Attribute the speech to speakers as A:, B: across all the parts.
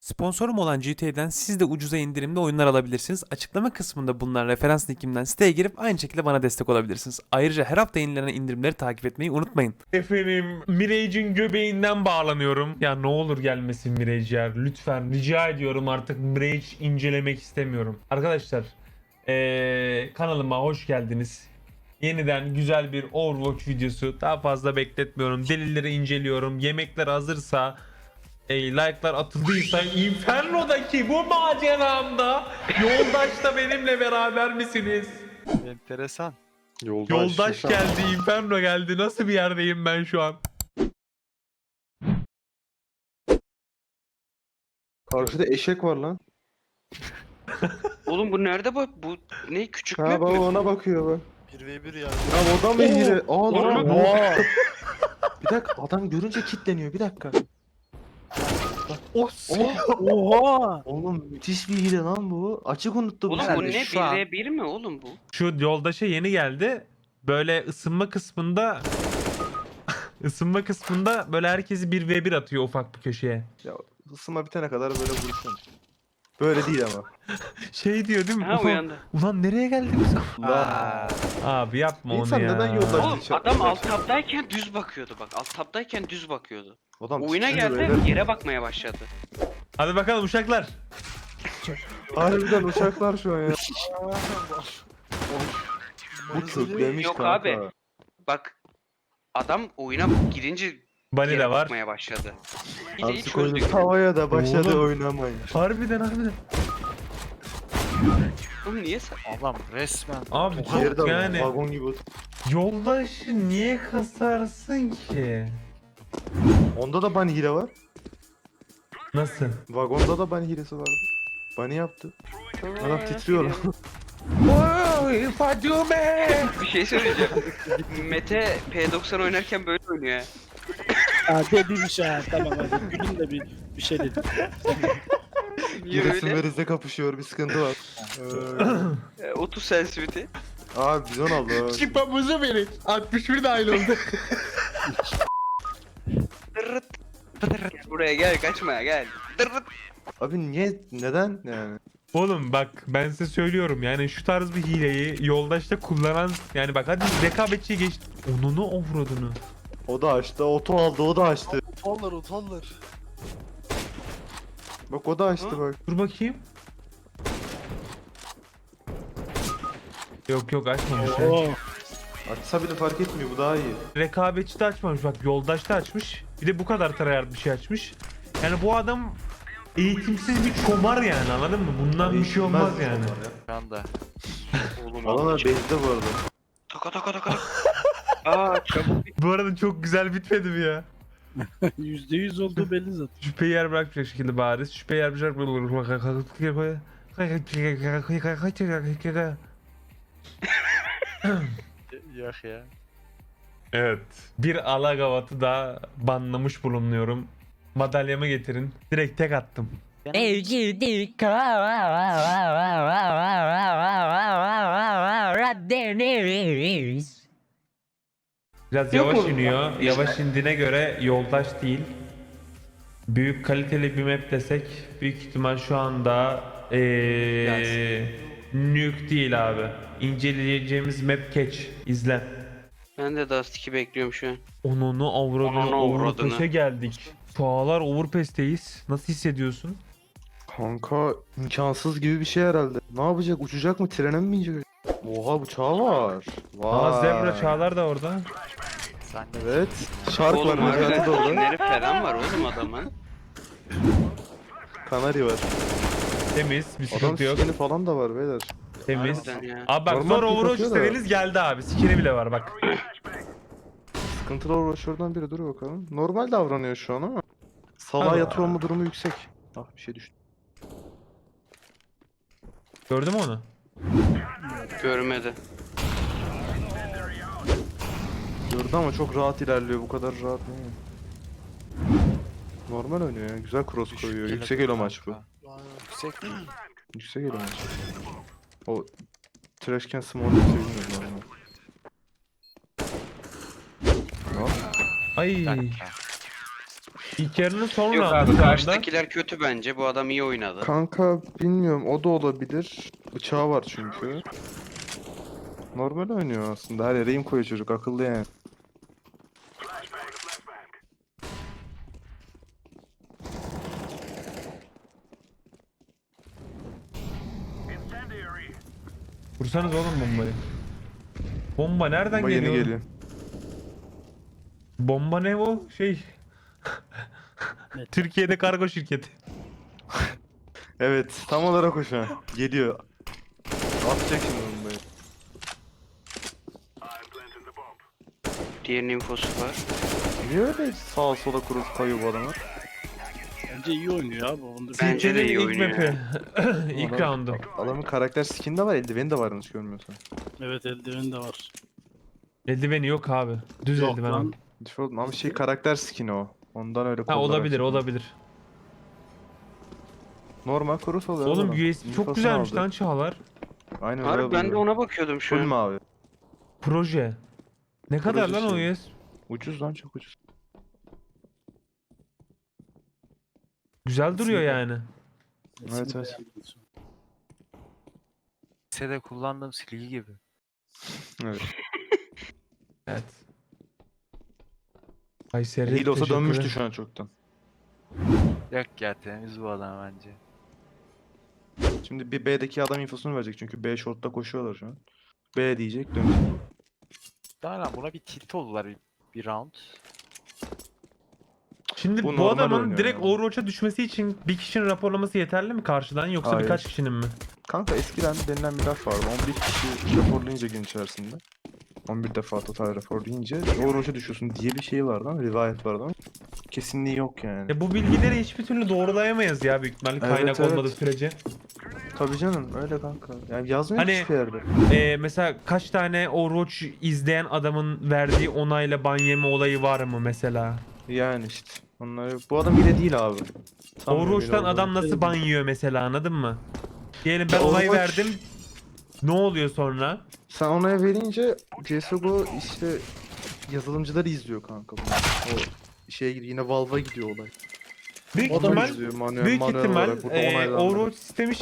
A: Sponsorum olan GTA'den siz de ucuza indirimli oyunlar alabilirsiniz. Açıklama kısmında bulunan referans linkimden siteye girip aynı şekilde bana destek olabilirsiniz. Ayrıca her hafta yenilenen indirimleri takip etmeyi unutmayın. Efendim Mirage'in göbeğinden bağlanıyorum. Ya ne olur gelmesin Mirage ya. Lütfen rica ediyorum, artık Mirage incelemek istemiyorum. Arkadaşlar kanalıma hoş geldiniz. Yeniden güzel bir Overwatch videosu. Daha fazla bekletmiyorum. Delilleri inceliyorum. Yemekler hazırsa, like'lar atıldıysa Inferno'daki bu maceramda yoldaş da benimle beraber misiniz?
B: Enteresan.
A: Yoldaş geldi, Inferno geldi. Nasıl bir yerdeyim ben şu an?
C: Karşıda eşek var lan.
D: Oğlum bu nerede bu? Bu ne küçük
C: Ha
D: mü?
C: baba ona bakıyor bak.
B: 1v1 ya.
C: Ya o da mı hile?
D: Oğlum.
C: Oha. Bir dakika adam görünce kilitleniyor bir dakika.
B: Oha!
C: Oğlum müthiş bir hile lan bu. Açık unuttum.
D: Oğlum
C: ben
D: bu
C: de
D: ne?
C: şu an.
D: 1v1 mi oğlum bu?
A: Şu yoldaşa yeni geldi. Böyle ısınma kısmında böyle herkesi 1v1 atıyor ufak bir köşeye.
C: Ya ısınma bitene kadar böyle vuruşun. Böyle değil ama.
A: Şey diyor değil mi?
D: Ha uyandı.
A: Ulan nereye geldik biz?
C: Lan.
A: Abi yapma
C: İnsan
A: onu ya.
C: neden yoldaş-
D: Oğlum
C: Şey-
D: adam alt tabdayken düz bakıyordu bak. Alt tabdayken düz bakıyordu.
C: Adam
D: Oyuna
C: titriyor
D: geldi
C: böyle.
D: yere bakmaya başladı.
A: Hadi bakalım uşaklar.
C: Harbiden uçaklar şu an ya. Bu köklemiş
D: Yok
C: kanka.
D: abi. Bak adam oyuna girince
A: Bani
D: yere
A: de var.
D: bakmaya başladı. Hileyi
C: Artık oyunu
D: çözdük.
C: tavaya da başladı
A: Oğlum.
C: oynamayın.
A: Harbiden.
D: Oğlum niye sen?
B: Adam resmen.
A: Abi
C: Yerde
A: çok yani.
C: vagon gibi otur.
A: Yoldaşı niye kasarsın ki?
C: Onda da bunny hile var.
A: Nasıl?
C: Vagonda da bunny hilesi vardı. Bunny yaptı. Adam titriyor lan.
A: Oy Fadime!
D: Bir şey söyleyeceğim. Mete P90 oynarken böyle oynuyor ya.
E: Dedim ha tamam hadi gülün de bir şey dedim.
D: Niye
C: Giresun
D: öyle?
C: ve Rize kapışıyor bir sıkıntı var.
D: 30 sensitivity.
C: Abi bizon aldı.
A: Çıkmamızı verin. 61 dahil oldu.
D: Dırırt. Gel buraya gel kaçma gel. Dırırt.
C: Abi niye neden yani?
A: Oğlum bak ben size söylüyorum, yani şu tarz bir hileyi yoldaşta kullanan, yani bak hadi rekabetçiye geç. Onunu avradını.
C: O da açtı, oto aldı, o da açtı.
B: Utanlar.
C: Bak o da açtı
D: Ha?
C: bak.
A: Dur bakayım. Yok açmamış ya.
E: Oo,
C: Açsa bile fark etmiyor, bu daha iyi.
A: Rekabetçi de açmamış, bak yoldaşta açmış. Bir de bu kadar tryhard bir şey açmış. Yani bu adam eğitimsiz bir çomar yani, anladın mı? Bundan bir şey olmaz yani.
B: Şu anda.
D: Oğlum
C: Alana bezde bu arada.
D: taka. Aa çabuk.
A: Bu arada çok güzel bitmedi mi ya?
E: %100 olduğu belli zaten.
A: Şüpheyi yer bırakmayacak şekilde bariz. Şüpheyi yer bırakmayacak.
B: Yok ya.
A: Evet. Bir alagavatı da banlamış bulunuyorum. Madalyamı getirin. Direkt tek attım. Biraz
D: Yok
A: yavaş
D: mu?
A: iniyor. Yavaş indiğine göre yoldaş değil. Büyük kaliteli bir map desek büyük ihtimal şu anda Nuke değil abi. İnceleyeceğimiz map Catch. İzle.
D: Ben de Dust 2 bekliyorum şu an.
A: Onunu avradını
D: Onunu avradını.
A: Overpass'e geldik. Çağlar Overpass'teyiz. Nasıl hissediyorsun?
C: Kanka imkansız gibi bir şey herhalde. Ne yapacak? Uçacak mı? Trene mi binecek? Oha bıçağı var. Vay.
A: Aa Zebra Çağlar da orada.
B: Sen de
C: Evet. Shark var,
D: Oğlum
C: Necati de
D: harbiden
C: orada.
D: skinleri falan var oğlum adamın.
C: Kanarya var.
A: Temiz, bir
C: Adam
A: sıkıntı yok.
C: skini falan da var beyler.
A: Temiz.
D: Harbiden ya.
A: Abi bak
C: Normal
A: zor
C: bir
A: Overwatch
C: bakıyor da.
A: istediniz geldi abi. Skini bile var bak.
C: Sıkıntılı uğraşıyordan biri, dur bakalım. Normal davranıyor şu an ama. Salağa
A: Allah.
C: yatıyor mu durumu yüksek. Ah bir şey düştü.
A: Gördün mü onu?
D: Görmedi.
C: Gördü ama çok rahat ilerliyor, bu kadar rahat değil. Normal oynuyor ya, güzel cross koyuyor. Yüksek elo maç bu.
B: Yüksek.
C: Yüksek elo maç. O Trashcan Small'ı sevilmiyor normal. Ne?
A: Ay.
B: Bir dakika.
A: İlk yarının son
D: Yok
A: roundu
D: abi
A: şu anda.
D: karşıdakiler kötü bence. Bu adam iyi oynadı.
C: Kanka bilmiyorum, o da olabilir. Bıçağı var çünkü. Normal oynuyor aslında. Her yere aim koyuyor çocuk, akıllı yani.
A: Vursanız oğlum bombayı. Bomba nereden
C: Bomba yeni
A: geliyor?
C: geliyor.
A: Bomba ne o? Türkiye'de kargo şirketi.
C: Evet, tam olarak o şu an. Geliyor. Atacak şimdi bombayı.
D: Diğerinin infosu var.
C: Niye öyle sağa sola kurup kayıyor bu adamlar?
E: Bence iyi oynuyor abi. Onu da
D: Bence de iyi
A: ilk
D: oynuyor.
A: map'i. İlk roundu.
C: Adamın karakter skin de var, eldiveni de var yanlış görmüyorsan.
E: Evet, eldiveni de var.
A: Eldiveni yok abi. Düz
E: Yok
A: eldiven.
E: lan.
A: abi.
C: Default ama şey karakter skin o. Ondan öyle
A: Ha
C: kollar
A: olabilir
C: açıyor.
A: olabilir.
C: Normal kurus oluyor.
A: Oğlum
C: adam.
A: USB çok
C: İnfosunu
A: güzelmiş
C: aldı.
A: lan Çağlar.
C: Aynen öyle
D: Harbi ben de
C: oluyor.
D: ona bakıyordum şu
C: Full
D: an.
C: mavi.
A: Proje. Ne kadar lan o
C: şey.
A: USB?
C: Ucuz lan, çok ucuz.
A: Güzel duruyor
E: Kesinlikle.
A: yani.
C: Evet,
E: İsmi
C: evet.
E: beğendim.
B: Lisede kullandığım silgi gibi.
C: Evet.
A: Evet. Kayseri
C: Hile olsa
A: teşekkürler.
C: dönmüştü şu an çoktan.
B: Yok ya, temiz bu adam bence.
C: Şimdi bir B'deki adam infosunu verecek çünkü B short'ta koşuyorlar şu an. B diyecek, dönecek.
B: Daha lan buna bir tilt oldular bir round.
A: Şimdi
C: Bu
A: bu
C: normal
A: adamın
C: oynuyor
A: direkt
C: yani.
A: Overwatch'a düşmesi için bir kişinin raporlaması yeterli mi karşıdan yoksa
C: Hayır.
A: birkaç kişinin mi?
C: Kanka eskiden denilen bir laf vardı. 11 kişi raporlayınca gün içerisinde. 11 defa total rapor deyince Overwatch'a düşüyorsun diye bir şey vardı ama rivayet vardı ama kesinliği yok yani.
A: Bu bilgileri hiçbir türlü doğrulayamayız ya büyük ihtimalle
C: Evet,
A: kaynak
C: evet.
A: olmadığı sürece.
C: Tabii canım, öyle kanka. Yani yazmıyor
A: Hani-
C: hiçbir yerde.
A: Mesela kaç tane Overwatch izleyen adamın verdiği onayla ban yeme olayı var mı mesela?
C: Yani işte. Onlar, bu adam hile değil abi. Sanmıyorum
A: Overwatch'tan
C: hile
A: adam
C: olduğunu.
A: nasıl ban yiyor mesela, anladın mı? Diyelim ben onay
C: Overwatch-
A: verdim. Ne oluyor sonra?
C: Sen onaya verince CSGO işte yazılımcıları izliyor kanka bunu. O şeye gidiyor, yine Valve'a gidiyor olay.
A: Büyük
C: Onlar
A: ihtimal
C: izliyor manuel,
A: Büyük
C: manuel
A: ihtimal
C: olarak burada onaylandı.
A: Overwatch sistemi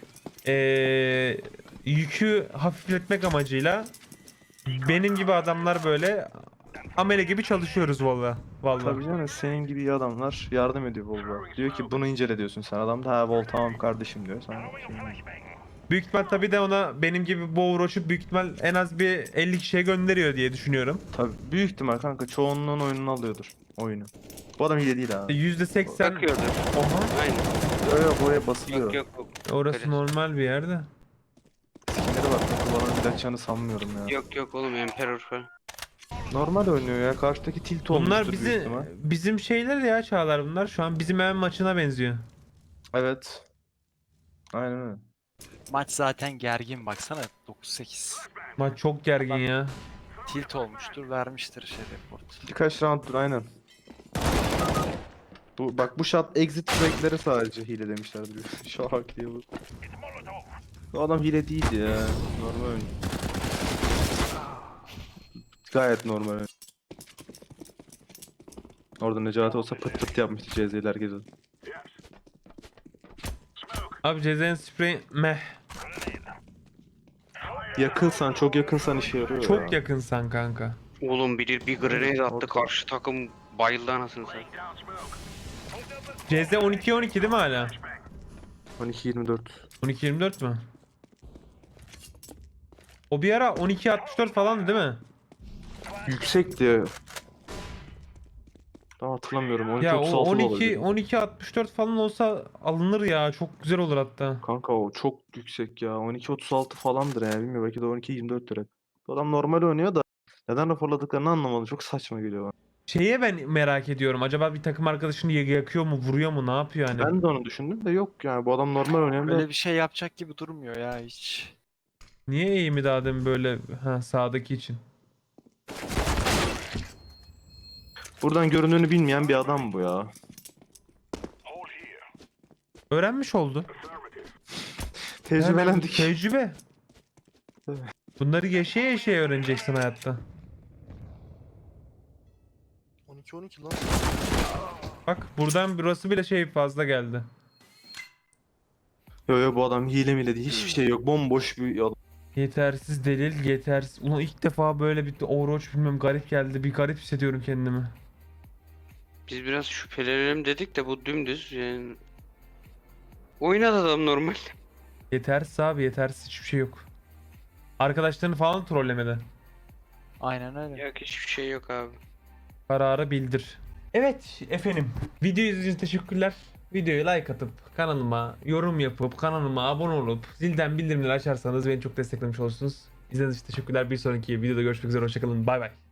A: yükü hafifletmek amacıyla benim gibi adamlar böyle amele gibi çalışıyoruz valla.
C: Tabii
A: Valla.
C: canım, senin gibi iyi adamlar yardım ediyor Volvo. Diyor ki bunu incele diyorsun sen. Adam da ha Vol tamam kardeşim diyor. Sen
A: Büyük ihtimal tabii de ona benim gibi bu Overwatch'u büyük ihtimal en az bir 50 kişiye gönderiyor diye düşünüyorum.
C: tabii büyük ihtimal kanka çoğunluğun oyununu alıyordur oyunu. Bu adam hile değil abi.
A: %80
D: Bakıyordu.
A: Oha.
D: Aynen.
C: Yok oraya basılıyor.
D: Yok.
A: Orası
D: Öyle.
A: normal bir yerde.
C: Skinlere bak, kullanan ilaçlarını sanmıyorum ya.
D: Yok oğlum Emperor falan.
C: Normal oynuyor ya. Karşıdaki tilt olmuştur
A: Bunlar
C: büyük
A: bizi
C: ihtimal.
A: bizim şeyler ya Çağlar bunlar. Şu an bizim hemen maçına benziyor.
C: Evet. Aynen öyle.
B: Maç zaten gergin, baksana 9-8.
A: Maç çok gergin
B: Bak-
A: ya.
B: Tilt olmuştur, vermiştir report.
C: Birkaç rounddur aynen. Bak bu shot exit track'leri sadece hile demişlerdir. Şak diye bu. Bu adam hile değil ya. Normal oyun. Gayet normal oyun. Orada Necati olsa pıt pıt yapmıştı CZ'li herkese.
A: Abi Cezen sprey meh.
C: Yakınsan, çok yakınsan işe yarıyor
A: Çok
C: ya.
A: yakınsan kanka.
D: Oğlum bir grenade attı
C: Orta.
D: karşı takım bayıldı anasını satayım.
A: CZ 12-12 değil mi hala?
C: 12-24.
A: 12-24 mü? O bir ara 12-64 falandı değil mi?
C: Yüksek diye. Daha hatırlamıyorum. 12
A: Ya o
C: 36 da olabilir.
A: 12-64 falan olsa alınır ya. Çok güzel olur hatta.
C: Kanka o çok yüksek ya. 12-36 falandır yani. Bilmiyorum, belki de 12-24 lira. Bu adam normal oynuyor da neden raporladıklarını anlamadım. Çok saçma geliyor bana.
A: Şeye ben merak ediyorum. Acaba bir takım arkadaşını yakıyor mu, vuruyor mu, ne yapıyor hani?
C: Ben de onu düşündüm de yok yani. Bu adam normal oynayan da
B: Öyle bir şey yapacak gibi durmuyor ya hiç.
A: Niye eğimi daha demin böyle sağdaki için?
C: buradan göründüğünü bilmeyen bir adam bu ya.
A: Öğrenmiş oldu.
C: Tecrübelendik.
A: Tecrübe.
C: Evet.
A: Bunları yaşaya yaşaya öğreneceksin hayatta.
C: 12-12 lan.
A: Bak buradan burası bile şey fazla geldi.
C: Yo bu adam hile mile değil, hiçbir şey yok. Bomboş bir adam.
A: Yetersiz delil, yetersiz. Ulan ilk defa böyle bir Overwatch bilmem garip geldi. Bir garip hissediyorum kendimi.
D: Biz biraz şüphelenelim dedik de bu dümdüz yani. Oynadı adam normal.
A: Yetersiz abi, yetersiz hiçbir şey yok. Arkadaşlarını falan trollemedi.
B: Aynen öyle.
D: Yok hiçbir şey yok abi.
A: Kararı bildir. Evet efendim. Video izlediğiniz için teşekkürler. Videoyu like atıp kanalıma yorum yapıp kanalıma abone olup zilden bildirimleri açarsanız beni çok desteklemiş olursunuz. İzlediğiniz için teşekkürler. Bir sonraki videoda görüşmek üzere. Hoşçakalın. Bay bay.